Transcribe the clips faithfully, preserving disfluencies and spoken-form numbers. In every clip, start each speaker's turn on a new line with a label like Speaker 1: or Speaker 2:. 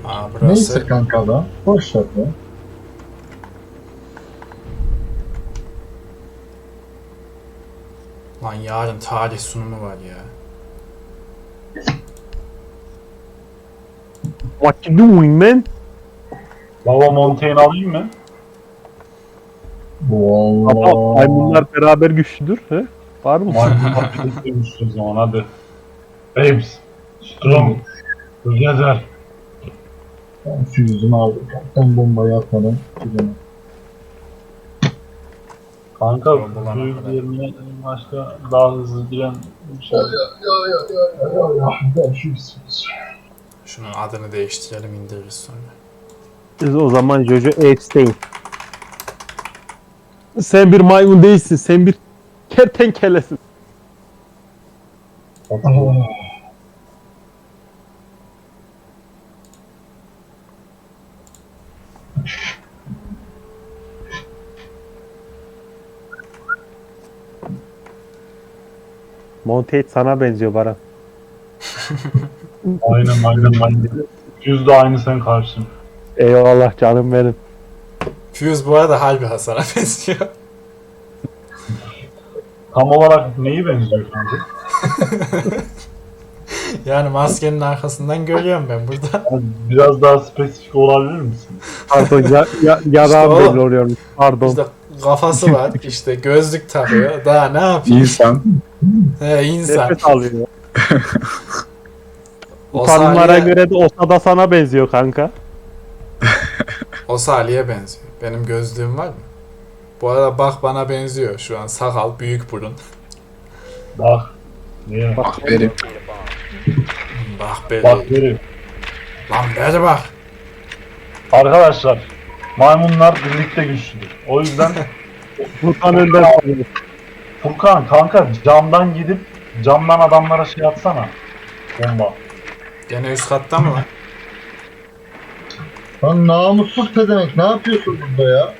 Speaker 1: Aa, burası...
Speaker 2: Neyse kanka da. Boş ver ya.
Speaker 1: Lan yarın tarih sunumu var ya.
Speaker 3: What you doing man?
Speaker 4: Lava Montaigne alayım mı?
Speaker 3: Ama
Speaker 2: Vallahi.
Speaker 3: maymunlar beraber güçlüdür. He? Var mı?
Speaker 4: Maymunlar birlikte o zaman hadi. Babes. Strong. Together.
Speaker 2: Ben füzümü aldım. Ben bombayı atmadan gidelim.
Speaker 4: Kanka
Speaker 1: Bombalama
Speaker 4: büyük
Speaker 1: kadar.
Speaker 4: yerine başka daha hızlı giren bir şey.
Speaker 2: Ya ya ya ya ya ya. Ben füzümüz.
Speaker 1: Şunun adını değiştirelim, indiririz sonra.
Speaker 3: Biz o zaman Jojo Epstein. Sen bir maymun değilsin. Sen bir kertenkelesin. Montet sana benziyor Baran.
Speaker 4: Aynen aynen aynen. Yüz de aynı sen karşın.
Speaker 3: Eyvallah canım benim.
Speaker 1: Fuse bu arada harbi Hasan'a benziyor.
Speaker 4: Tam olarak neyi benziyor kanka?
Speaker 1: Yani maskenin arkasından görüyorum ben burada.
Speaker 4: Yani biraz daha spesifik olabilir misin?
Speaker 3: Pardon ya, ya, yarağım
Speaker 1: İşte o.
Speaker 3: belli oluyormuş. Pardon.
Speaker 1: İşte kafası var, işte gözlük takıyor. Daha ne yapayım?
Speaker 5: İnsan.
Speaker 1: He, insan.
Speaker 3: Nefes alıyor.
Speaker 1: O
Speaker 3: Tanımlara
Speaker 1: Salih'e,
Speaker 3: göre de Osa da sana benziyor kanka.
Speaker 1: o Salih'e benziyor. Benim gözlüğüm var mı? Bu arada bak bana benziyor şu an. Sakal, büyük burun.
Speaker 4: Bak. Niye? Bak.
Speaker 5: Benim.
Speaker 1: Bak be.
Speaker 4: Bak verim.
Speaker 1: Lan beri bak.
Speaker 4: Arkadaşlar. Maymunlar birlikte güçlüdür. O yüzden
Speaker 3: Furkan önden sanıyor.
Speaker 4: Furkan kanka camdan gidip camdan adamlara şey atsana. Bomba.
Speaker 1: Gene üst katta mı lan?
Speaker 2: Lan namussuz pedemek, ne yapıyorsun burada ya?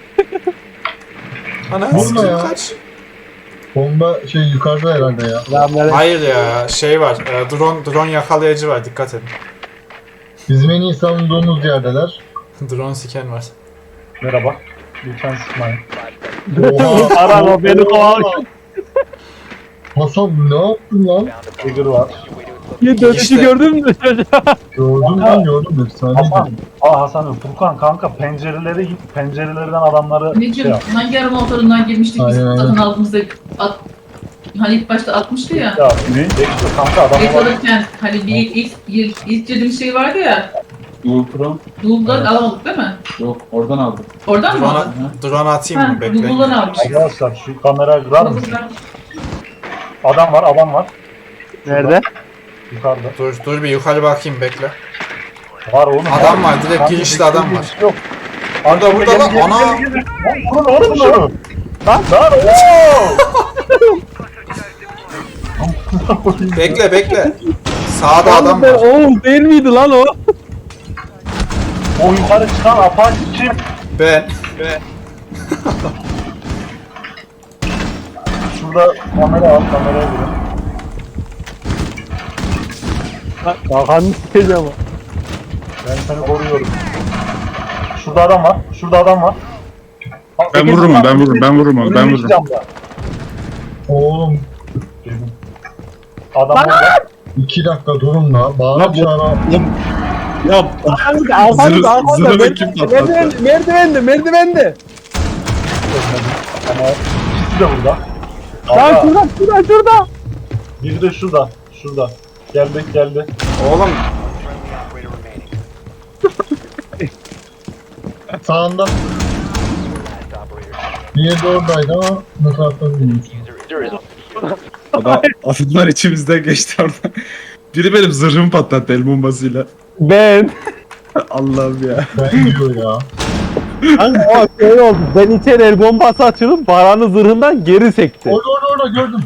Speaker 1: Ana
Speaker 2: Vurma
Speaker 1: sikim
Speaker 2: ya.
Speaker 1: kaç?
Speaker 2: Bomba şey yukarıda herhalde ya.
Speaker 3: Selamünaleyküm.
Speaker 1: Hayır ya, şey var. e, Drone drone yakalayıcı var, dikkat edin.
Speaker 2: Bizim en iyi savunduğumuz yerdeler.
Speaker 1: Drone siken var.
Speaker 4: Merhaba. Lütfen sıkmayın.
Speaker 2: Oha.
Speaker 3: Baran o beni kovalıyor.
Speaker 2: Hasan ne yaptın lan?
Speaker 4: Trigger var.
Speaker 3: Bir dönüşü
Speaker 1: İşte.
Speaker 3: gördün mü çocuğa?
Speaker 2: Gördüm lan gördüm. Efsane
Speaker 4: Hasan.
Speaker 2: dedim.
Speaker 4: Aa Hasan Furkan kanka pencerelere git. Pencerelerden adamları şey
Speaker 6: Anneciğim
Speaker 4: yap.
Speaker 6: hangi arama motorundan girmiştik biz
Speaker 2: Aynen,
Speaker 6: satın
Speaker 2: aynen.
Speaker 6: aldığımızda at, hani ilk başta atmıştı ya.
Speaker 4: Ya ne? Bekle kanka adamlar.
Speaker 6: Et alırken hani bir ilk, ilk, ilk girdiğimiz şey vardı ya.
Speaker 5: Google Chrome.
Speaker 6: Google'dan alamadık değil mi?
Speaker 5: Yok oradan aldım.
Speaker 6: Oradan mı aldın?
Speaker 1: Drone, drone atayım
Speaker 6: Ha,
Speaker 1: mı? Bekleyin.
Speaker 6: Google'dan almıştık.
Speaker 4: Arkadaşlar şu kamerayı kırar mısın?
Speaker 6: Google'dan.
Speaker 4: Adam var adam var.
Speaker 3: Nerede?
Speaker 4: Yukarıda.
Speaker 1: Dur, dur bir yukarı bakayım, bekle.
Speaker 4: Var oğlum.
Speaker 1: Adam var, direkt
Speaker 4: Kanka,
Speaker 1: girişte adam var.
Speaker 4: Yok.
Speaker 1: Burada, burada lan,
Speaker 4: Gel,
Speaker 1: ana!
Speaker 4: gel, gel, gel. Lan vurun oğlum şunu. Lan lan ooo.
Speaker 1: Bekle, bekle. Sağda adam
Speaker 3: Ben-
Speaker 1: var.
Speaker 3: Oğlum değil miydi lan o?
Speaker 4: O yukarı çıkan Apache kim?
Speaker 1: Ben.
Speaker 4: Şurada kamera al kameraya girin.
Speaker 3: Kakanını sikeceğim ama.
Speaker 4: Ben seni koruyorum. Şurada adam var. Şurada adam var.
Speaker 5: Ben vururum onu, ben vururum, ben vururum onu, ben
Speaker 4: Önümdeki
Speaker 5: vururum.
Speaker 4: camda.
Speaker 2: Oğlum
Speaker 4: Adam orada.
Speaker 2: iki dakika durun la. Bağıra
Speaker 5: Lan bu-
Speaker 2: çağıra.
Speaker 5: Ya
Speaker 3: Arkanızda, arkanızda,
Speaker 5: Zırh-
Speaker 3: arkanızda.
Speaker 5: zırhı
Speaker 3: Merdiven-
Speaker 5: kim patlattı?
Speaker 3: merdiven- Merdivende, merdivende.
Speaker 4: Ama ikisi de burada.
Speaker 3: Lan
Speaker 4: Aga,
Speaker 3: şurada, şurada, şurada.
Speaker 4: biri de şurada. Şurada. Geldi geldi.
Speaker 1: Oğlum,
Speaker 2: Sağında. Diğeri de oradaydı ama ne taraftan bilmiyorum.
Speaker 5: adam, adamlar içimizden geçti orada. Biri benim zırhımı patlattı el bombasıyla.
Speaker 3: Ben.
Speaker 2: Allah'ım ya. Ben diyor ya.
Speaker 3: Kanka o şey oldu. Ben içeri el bombası açılıp Baran'ın zırhından geri sekti.
Speaker 2: Orada orada orada gördüm.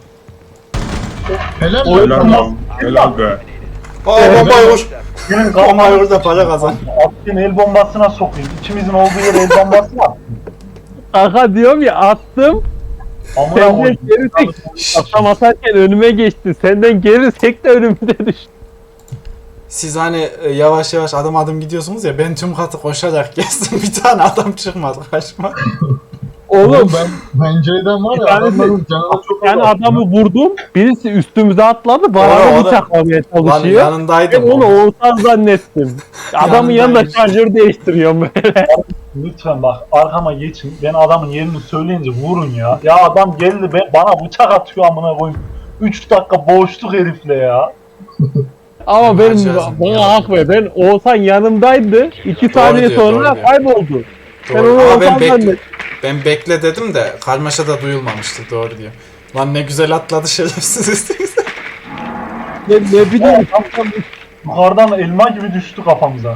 Speaker 2: Helal
Speaker 5: Helal
Speaker 2: lan.
Speaker 5: lan. Helal be.
Speaker 1: aa bombayı vur.
Speaker 4: Gelin
Speaker 1: Bombayı vur da para kazan.
Speaker 4: Attın el bombasına sokayım. İkimizin olduğu yere el bombası var.
Speaker 3: Kanka diyorum ya attım.
Speaker 4: Amına
Speaker 3: Senden
Speaker 4: koyayım.
Speaker 3: geri sekti. Atam atarken önüme geçti. Senden geri sekti önümde düştü.
Speaker 1: Siz hani e, yavaş yavaş adım adım gidiyorsunuz ya, ben tüm katı koşarak gezdim, bir tane adam çıkmadı karşıma.
Speaker 3: Oğlum
Speaker 2: ben pencereden var
Speaker 3: Bir
Speaker 2: ya
Speaker 3: tanesi-
Speaker 2: adamların canına çok
Speaker 3: yani
Speaker 2: azalttım.
Speaker 3: adamı vurdum. Birisi üstümüze atladı.
Speaker 1: Doğru,
Speaker 3: Baran'ı
Speaker 1: doğru.
Speaker 3: bıçaklamaya
Speaker 1: Lan
Speaker 3: çalışıyor. Ben
Speaker 1: yanındaydım.
Speaker 3: onu Oğuzhan zannettim. Adamın yanında
Speaker 1: Yanındaymış.
Speaker 3: şarjör değiştiriyorum böyle.
Speaker 4: Lütfen bak arkama geçin. Ben adamın yerini söyleyince vurun ya. Ya adam geldi be, bana bıçak atıyor amına koyayım. üç dakika boğuştuk herifle ya.
Speaker 3: Ama benim
Speaker 1: Acayip.
Speaker 3: bana hak ver. Ben Oğuzhan yanımdaydı. İki saniye
Speaker 1: diyor,
Speaker 3: sonra
Speaker 1: doğru diyor.
Speaker 3: kayboldu. Ben
Speaker 1: Doğru.
Speaker 3: onu
Speaker 1: Ama ben,
Speaker 3: Oğuzhan
Speaker 1: bekle,
Speaker 3: zannettim.
Speaker 1: ben bekle dedim de karmaşa da duyulmamıştı, doğru diyor. Lan ne güzel atladı şerefsiz.
Speaker 3: Ne, ne bileyim.
Speaker 4: Yukarıdan elma gibi düştü kafamıza.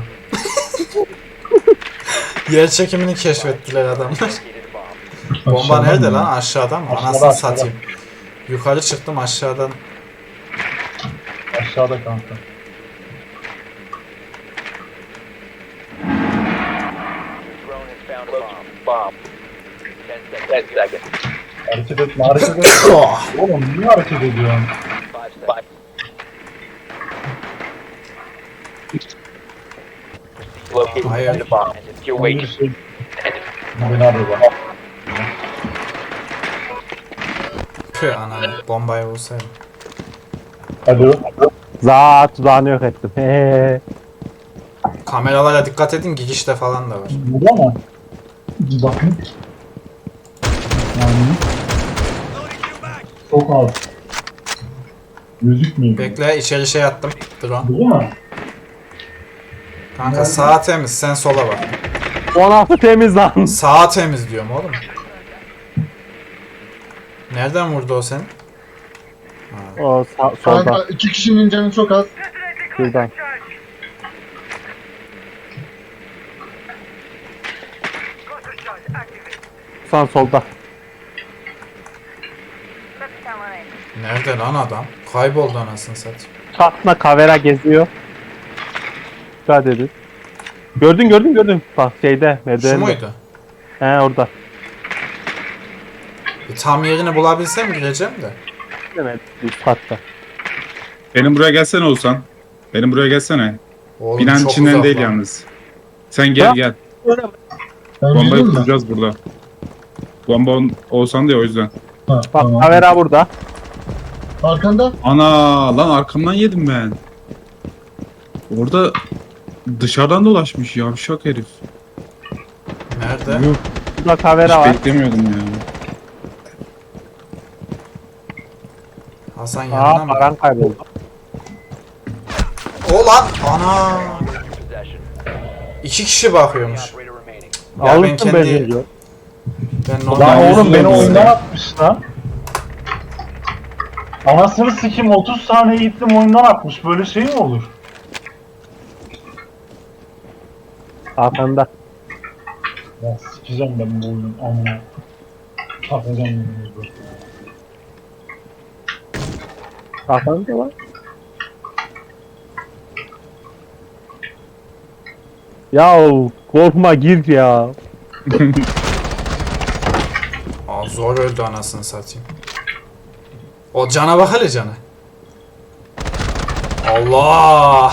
Speaker 1: Yer çekimini keşfettiler adamlar. Bomba
Speaker 2: Aşağıdan
Speaker 1: nerede
Speaker 2: mı?
Speaker 1: lan? Aşağıdan mı?
Speaker 4: Aşağıda,
Speaker 1: Anasını
Speaker 4: aşağıda.
Speaker 1: satayım. Yukarı çıktım, aşağıdan.
Speaker 4: Aşağıda kanka. Hareket etme, hareket etme.
Speaker 1: Oh!
Speaker 4: Oğlum niye hareket ediyorsun?
Speaker 1: Hayır.
Speaker 4: Bir şey... Beni arıyor bak.
Speaker 1: Püh ananı. Bombayı vursaydım.
Speaker 4: Alo.
Speaker 3: Zat tuzağını yok ettim. He.
Speaker 1: Kameralara dikkat edin, girişte falan da var.
Speaker 4: Burada mı?
Speaker 2: Bir bakın. Yani.
Speaker 4: Çok az.
Speaker 2: Gözükmüyor.
Speaker 1: Bekle, içeri şey attım. Drone.
Speaker 4: Burada mı?
Speaker 1: Kanka sağa temiz, sen sola bak.
Speaker 3: on altı temiz lan.
Speaker 1: Sağa temiz diyorum oğlum. Nereden vurdu o seni?
Speaker 3: O sağ, solda.
Speaker 2: Kanka iki kişinin canı çok az.
Speaker 3: Şuradan. Sen solda.
Speaker 1: Nerede lan adam? Kayboldu anasını satayım.
Speaker 3: Çatma kavera geziyor. Dikkat edin. Gördün gördün gördün. Bak şeyde
Speaker 1: Şu
Speaker 3: merdivende.
Speaker 1: muydu?
Speaker 3: He orada.
Speaker 1: Bir tam yerini bulabilsem gireceğim de.
Speaker 3: Evet üst katta.
Speaker 5: Benim buraya gelsene Oğuzhan. Benim buraya gelsene.
Speaker 1: Oğlum
Speaker 5: Binanın
Speaker 1: çok
Speaker 5: içinden
Speaker 1: uzak
Speaker 5: değil
Speaker 1: lan.
Speaker 5: yalnız. Sen gel
Speaker 3: Ya.
Speaker 5: gel.
Speaker 2: Ben
Speaker 5: Bombayı
Speaker 2: geleyim mi?
Speaker 5: kuracağız burada. Bomba on- Oğuzhan diyor o yüzden.
Speaker 2: Ha,
Speaker 3: Bak
Speaker 2: tamam.
Speaker 3: kavera burada.
Speaker 2: Arkanda.
Speaker 5: Ana lan arkamdan yedim ben. Orada dışarıdan dolaşmış yavşak herif.
Speaker 1: Nerede?
Speaker 3: Yuh. Burada kavera
Speaker 5: Hiç
Speaker 3: var.
Speaker 5: beklemiyordum ya.
Speaker 1: Hasan
Speaker 3: Aa
Speaker 1: yanına mı?
Speaker 3: paran kayboldu.
Speaker 1: O lan! Ana! İki kişi bakıyormuş. Ya ben
Speaker 3: Alırsın
Speaker 1: kendi...
Speaker 3: benzinci.
Speaker 1: Ben
Speaker 4: Lan
Speaker 1: normal
Speaker 4: oğlum
Speaker 5: yüzüne
Speaker 4: beni
Speaker 5: vurdu
Speaker 4: oyundan
Speaker 5: ya.
Speaker 4: atmış lan. Anasını sikim otuz saniye gittim oyundan atmış. Böyle şey mi olur?
Speaker 3: Arkanda.
Speaker 4: Ya sikeceğim ben bu oyunun amına. Takacağım bunu.
Speaker 3: Arkanda var. Ya korkma gir ya.
Speaker 1: Aa, zor öldü anasını satayım. O cana bak hele cana. Allah!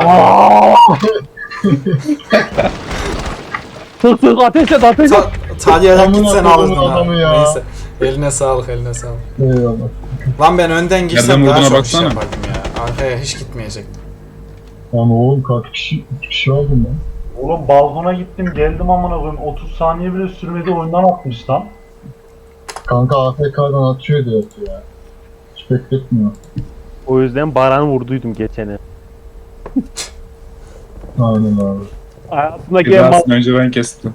Speaker 3: Sık sık ateş et ateş et.
Speaker 1: Ta Talyarak
Speaker 2: Amına
Speaker 1: gitsen
Speaker 2: koyduğumun
Speaker 1: alırdın ha.
Speaker 2: adamı ya.
Speaker 1: Neyse. Eline sağlık, eline sağlık.
Speaker 2: Eyvallah.
Speaker 1: Lan ben önden girsem
Speaker 5: Nereden
Speaker 1: daha
Speaker 5: vurduğuna
Speaker 1: çok iş
Speaker 5: baksana.
Speaker 1: yapardım ya. Arkaya hiç gitmeyecektim.
Speaker 2: Lan oğlum kaç kişi? Üç kişi aldım ben.
Speaker 4: Oğlum balkona gittim geldim amına koyayım. otuz saniye bile sürmedi oyundan atmış lan.
Speaker 2: Kanka A F K'dan atıyor diyor ya. Hiç bekletmiyor.
Speaker 3: O yüzden Baran'ı vurduydum geçene.
Speaker 2: Aynen abi.
Speaker 3: Hayatımdaki en mal...
Speaker 5: Cezasını önce ben kestim.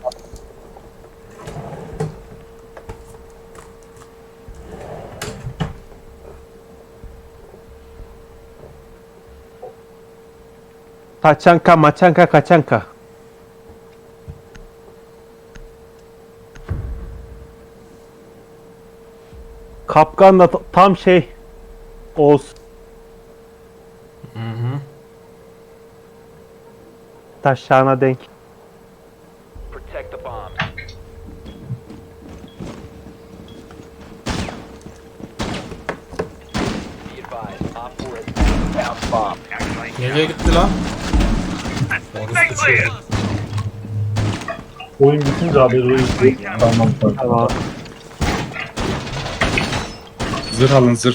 Speaker 3: Taçanka maçanka kaçanka. Kapkan da ta- tam şey Oğuz.
Speaker 1: Hı hı.
Speaker 3: Taşlarına denk.
Speaker 7: Protect the bomb. Be advised, Op four has found bomb.
Speaker 1: Nereye gitti lan? Orası uçuyor.
Speaker 4: Oyun bitince haberi öyle.
Speaker 2: Tamam tamam.
Speaker 3: Tamam.
Speaker 5: Zırh alın zırh.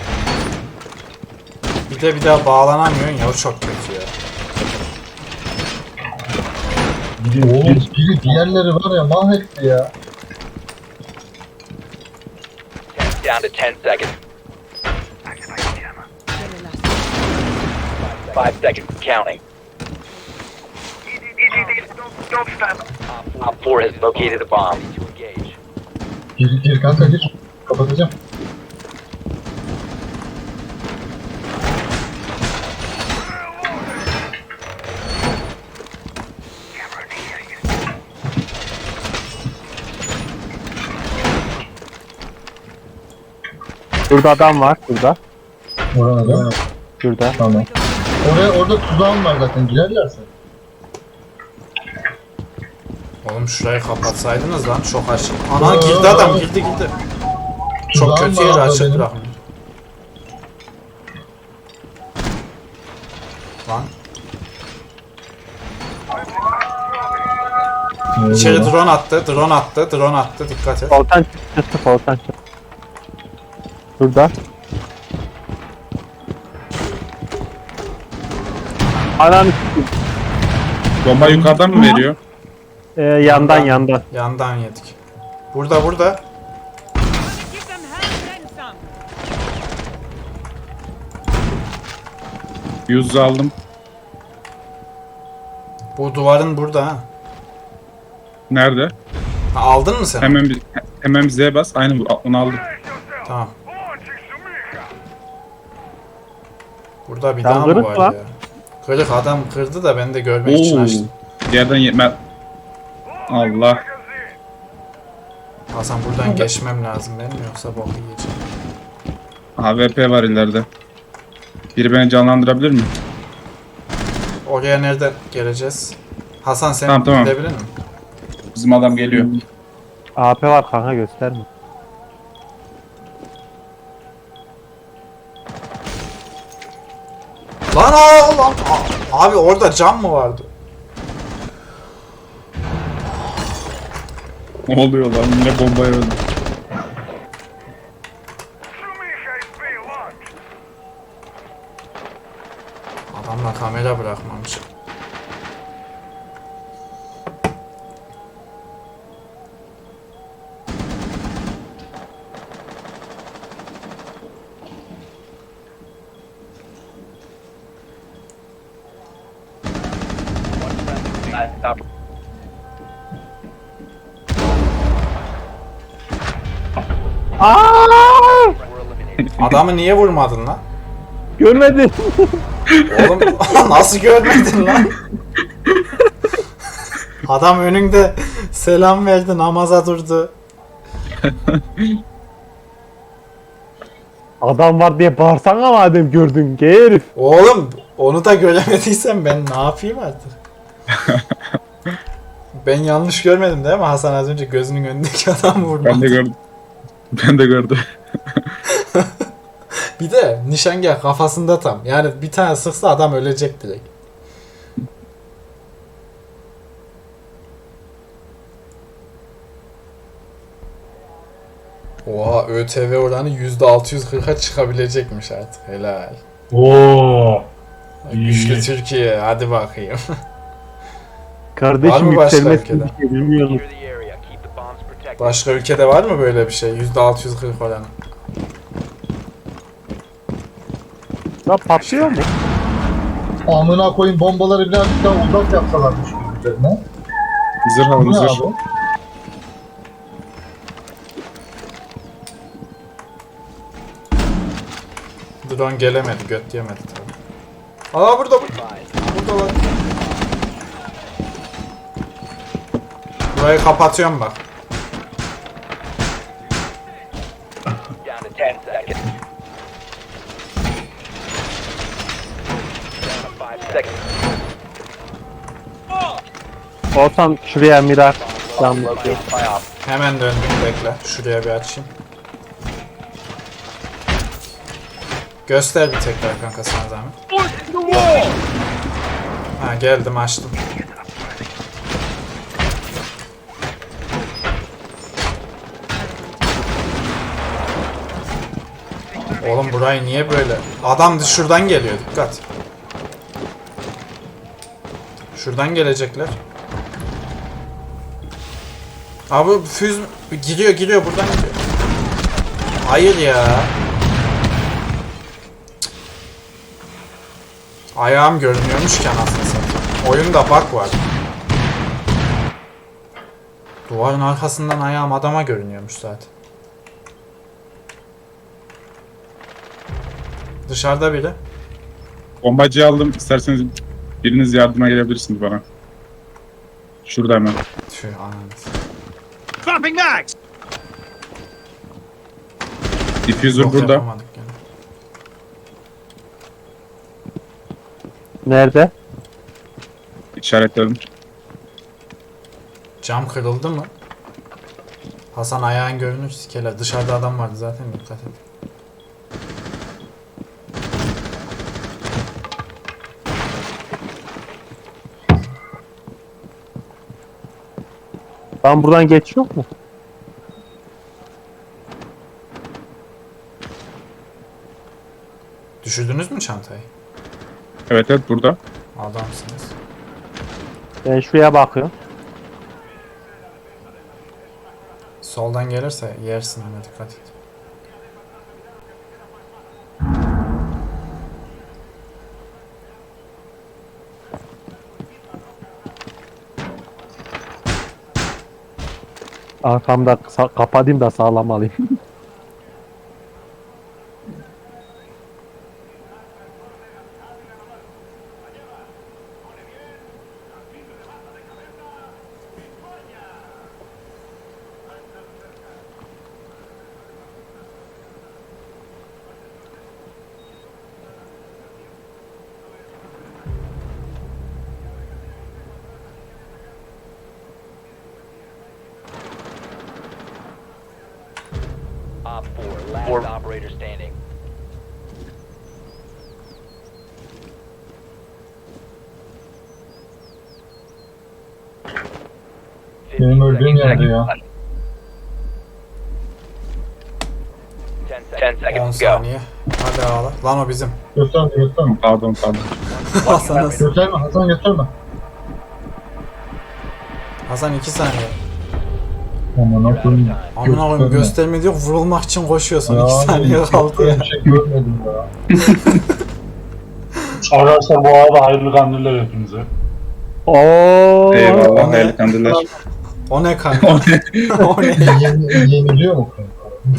Speaker 1: Bir de bir daha bağlanamıyorsun ya, o çok kötü ya.
Speaker 2: Oğlum biri diğerleri var ya mahvetti ya.
Speaker 7: Down to ten seconds. Five seconds. Counting. Op four has located a bomb. To engage.
Speaker 2: Gir gir kanka gir. Kapatacağım.
Speaker 3: Şurada adam var. Şurada.
Speaker 2: Orana da.
Speaker 3: Şurada.
Speaker 2: Tamam. Oraya orada tuzağım var zaten girerlerse.
Speaker 1: Oğlum şurayı kapatsaydınız lan, çok açık. Ana girdi adam, girdi girdi. Çok
Speaker 2: Tuzağım
Speaker 1: kötü
Speaker 2: var
Speaker 1: yeri
Speaker 2: abla
Speaker 1: açık
Speaker 2: benim.
Speaker 1: bırakmış. Lan içeri
Speaker 2: Orada.
Speaker 1: drone attı, drone attı, drone attı, dikkat et.
Speaker 3: Volkan çıktı. Volkan çıktı. Şurada. Ananı s**eyim.
Speaker 5: Bomba yukarıdan mı veriyor?
Speaker 3: Ee, yandan yandan.
Speaker 1: Yandan yedik. Burada burada.
Speaker 8: Give them hell and some.
Speaker 5: Yüz aldım.
Speaker 1: Bu duvarın burada ha.
Speaker 5: Nerede?
Speaker 1: Ha, aldın mı sen?
Speaker 5: Hemen bir hemen Z'ye bas. Aynı bu- onu aldım.
Speaker 1: Tamam. Burada bir
Speaker 3: Sen
Speaker 1: daha mı
Speaker 3: kırık
Speaker 1: var
Speaker 3: lan.
Speaker 1: ya? Kırık adam kırdı da ben de görmek için
Speaker 5: Oo.
Speaker 1: açtım.
Speaker 5: Yerden yetmez. Allah.
Speaker 1: Hasan buradan geçmem lazım benim, yoksa boku yiyeceğim.
Speaker 5: A W P var ileride. Biri beni canlandırabilir mi?
Speaker 1: Oraya nereden geleceğiz? Hasan sen
Speaker 5: Tamam, tamam.
Speaker 1: gidebilir misin?
Speaker 5: Bizim adam geliyor.
Speaker 3: A P var kanka, gösterme.
Speaker 1: Lan aa, lan aa. Abi orada cam mı vardı?
Speaker 5: Ne oluyor lan? Yine bombaya öldü.
Speaker 1: Adamla kamera bırakmamış.
Speaker 7: Stop.
Speaker 3: Aaaa!
Speaker 7: We're eliminated.
Speaker 1: Adamı niye vurmadın lan?
Speaker 3: Görmedin.
Speaker 1: Oğlum nasıl görmedin lan? Adam önünde selam verdi, namaza durdu.
Speaker 3: Adam var diye bağırsana madem gördün ki herif.
Speaker 1: Oğlum onu da göremediysen ben ne yapayım artık? Ben yanlış görmedim değil mi? Hasan az önce gözünün önündeki adamı vurmadı.
Speaker 5: Ben de gördüm. Ben de gördüm.
Speaker 1: Bir de nişangah kafasında tam. Yani bir tane sıksa adam ölecek direkt. Oha, ÖTV oranı yüzde altı yüz kırka çıkabilecekmiş artık. Helal.
Speaker 4: Oo.
Speaker 1: Güçlü
Speaker 4: İyi.
Speaker 1: Türkiye, hadi bakayım. Var
Speaker 3: Kardeşim
Speaker 1: mı başka
Speaker 3: yükselmez
Speaker 1: ülkede?
Speaker 3: bir şey bilmiyorum.
Speaker 7: Secure the area. Keep the bombs protected.
Speaker 1: Başka ülkede var mı böyle bir şey? yüzde altı yüz kırk oranı.
Speaker 3: Lan patlıyor mu?
Speaker 2: Amına koyayım bombaları birazcık daha uzak yapsalarmış üzerine.
Speaker 5: Zırh
Speaker 2: Bu
Speaker 5: alın
Speaker 2: ne
Speaker 5: zırh.
Speaker 2: abi?
Speaker 1: Drone gelemedi, göt yemedi tabii. Aa burada burada. Burada var. Burayı kapatıyorum bak.
Speaker 7: Down to ten seconds. Down to five seconds.
Speaker 3: Olsam şuraya mirar. Cam
Speaker 7: Located
Speaker 3: yapıyor.
Speaker 7: by op.
Speaker 1: Hemen döndüm, bekle. Şuraya bir açayım. Göster bir tekrar kanka sana zahmet. Ha geldim açtım. Oğlum burayı niye böyle? Adam şuradan geliyor, dikkat. Şuradan gelecekler. Abi füz giriyor giriyor buradan giriyor. Hayır ya. Ayağım görünüyormuş ki anasını satayım. Oyunda bug var. Duvarın arkasından ayağım adama görünüyormuş zaten. Dışarıda biri.
Speaker 5: Bombacıyı aldım. İsterseniz biriniz yardıma gelebilirsiniz bana. Şurada hemen.
Speaker 1: Tüh ananı.
Speaker 5: Diffuser
Speaker 1: Yok,
Speaker 5: burada.
Speaker 1: yapamadık gene.
Speaker 3: Nerede?
Speaker 5: İşaretledim.
Speaker 1: Cam kırıldı mı? Hasan ayağın görünür sikeler. Dışarıda adam vardı zaten, dikkat et.
Speaker 3: Tam buradan geç yok mu?
Speaker 1: Düşürdünüz mü çantayı?
Speaker 5: Evet evet burada.
Speaker 1: Adamsınız.
Speaker 3: Ben şuraya bakıyorum.
Speaker 1: Soldan gelirse yersin ama dikkat et.
Speaker 3: Arkamda sa- kapatayım da sağlam alayım.
Speaker 7: Op four, last operator standing.
Speaker 2: Benim öldüğüm yerde ya.
Speaker 7: ten seconds.
Speaker 1: on
Speaker 7: seconds to go.
Speaker 1: saniye. Hadi ağla. Lan o bizim.
Speaker 2: Gösterme gösterme.
Speaker 5: Pardon pardon.
Speaker 1: Hasan,
Speaker 2: Gösterme Hasan gösterme.
Speaker 1: Hasan iki saniye.
Speaker 2: Aman koyayım.
Speaker 1: Amına koyayım gösterme diyor, vurulmak için koşuyorsun. iki saniye kaldı ya.
Speaker 2: Böyle bir şey görmedim ya.
Speaker 4: Arkadaşlar bu arada hayırlı kandiller hepinize.
Speaker 3: Oo.
Speaker 5: Eyvallah
Speaker 1: ne?
Speaker 5: hayırlı kandiller.
Speaker 1: O ne kanka? O ne?
Speaker 2: Yeni, yeniliyor mu kanka?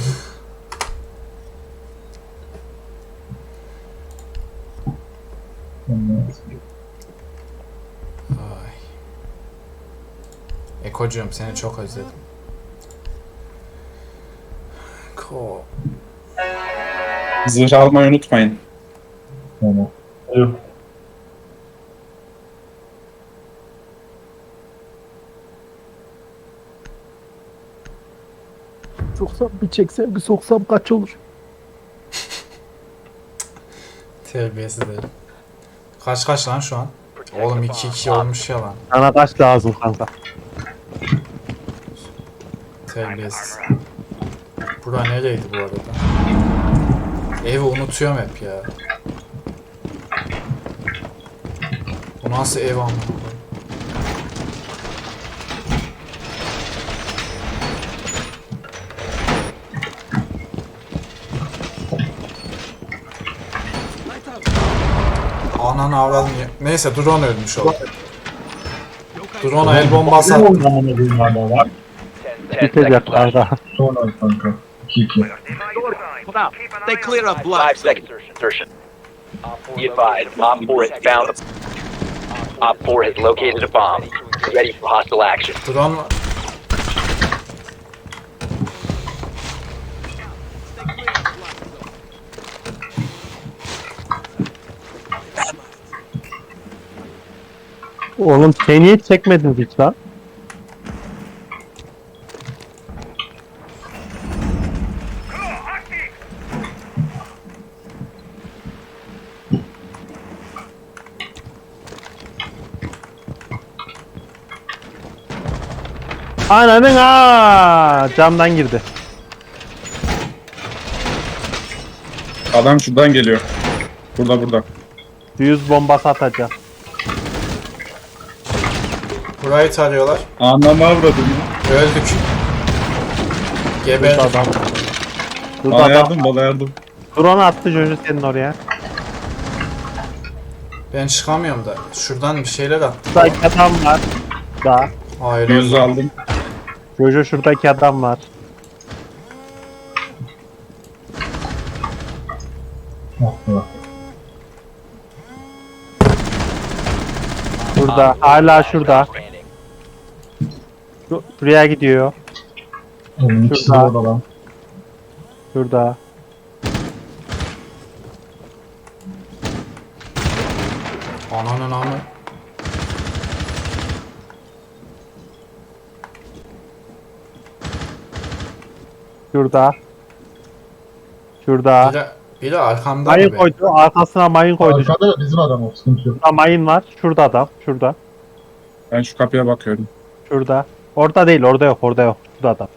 Speaker 1: Ay. Ekocuğum seni çok özledim. Ko.
Speaker 5: Zırh almayı unutmayın.
Speaker 2: Tamam.
Speaker 4: Evet.
Speaker 3: Soksam bir çeksem bir soksam kaç olur?
Speaker 1: Terbiyesiz herif. Kaç kaç lan şu an? Oğlum iki iki olmuş ya lan.
Speaker 3: Sana kaç lazım kanka?
Speaker 1: Terbiyesiz. Bura nereydi bu arada? Evi unutuyorum hep ya. Bu nasıl ev amına koyayım? Ananı avradım ya. Neyse drone ölmüş oldu. Drone'a el bombası
Speaker 4: Ne
Speaker 1: attım.
Speaker 4: oyun amına koyayım hala lan?
Speaker 7: ten seconds
Speaker 3: Bitecek
Speaker 7: left.
Speaker 3: kanka.
Speaker 2: Sonra kanka. iki iki.
Speaker 9: They clear up
Speaker 7: Five
Speaker 9: blood.
Speaker 7: seconds. Insertion. Be advised, Op four has found. Op four has located a bomb. Ready for hostile action.
Speaker 1: Drone...
Speaker 3: Oğlum sen niye çekmedin hiç lan? Ananın aa camdan girdi.
Speaker 5: Adam şuradan geliyor. Burada burada.
Speaker 3: Yüz bombası atacak.
Speaker 1: Burayı tarıyorlar.
Speaker 5: Anlama avradım.
Speaker 1: Öldük.
Speaker 3: Burada
Speaker 1: Geberdik.
Speaker 3: adam. Burada
Speaker 5: Bana
Speaker 3: adam.
Speaker 5: yardım bana yardım.
Speaker 3: Drone attı Jojo senin oraya.
Speaker 1: Ben çıkamıyorum da. Şuradan bir şeyler attı.
Speaker 3: Şuradaki adam var. Da.
Speaker 1: Hayır.
Speaker 5: Yüzü aldım.
Speaker 3: Jojo şuradaki adam var.
Speaker 2: Ah be.
Speaker 3: Burada. Hala şurada. Şu- Şuraya gidiyor.
Speaker 2: Onun ikisi de
Speaker 3: Şurada.
Speaker 2: orada lan.
Speaker 3: Şurada.
Speaker 1: Ananın amı.
Speaker 3: Şurada. Şurada.
Speaker 1: Biri, biri arkamda
Speaker 3: Mayın
Speaker 1: gibi.
Speaker 3: koydu. Arkasına mayın koydu.
Speaker 2: Arkada da bizim adam o, sıkıntı yok.
Speaker 3: Şurada mayın var. Şurada adam. Şurada.
Speaker 5: Ben şu kapıya bakıyorum.
Speaker 3: Şurada. Orada değil. Orada yok. Orada yok. Şurada adam.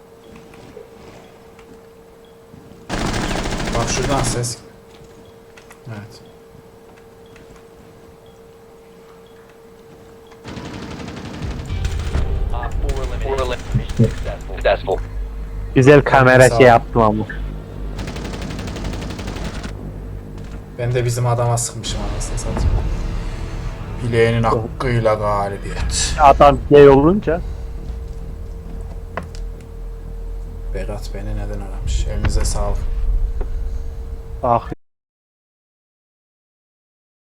Speaker 1: Bak şuradan ses. Evet.
Speaker 7: Op four eliminated. Mission successful. Successful.
Speaker 3: Güzel kamera
Speaker 1: Sağ ol.
Speaker 3: şey yaptım ama.
Speaker 1: Ben de bizim adama sıkmışım anasını satayım. Bileğinin hakkıyla galibiyet.
Speaker 3: Adam gay olunca.
Speaker 1: Berat beni neden aramış? Elinize sağlık.
Speaker 3: Ah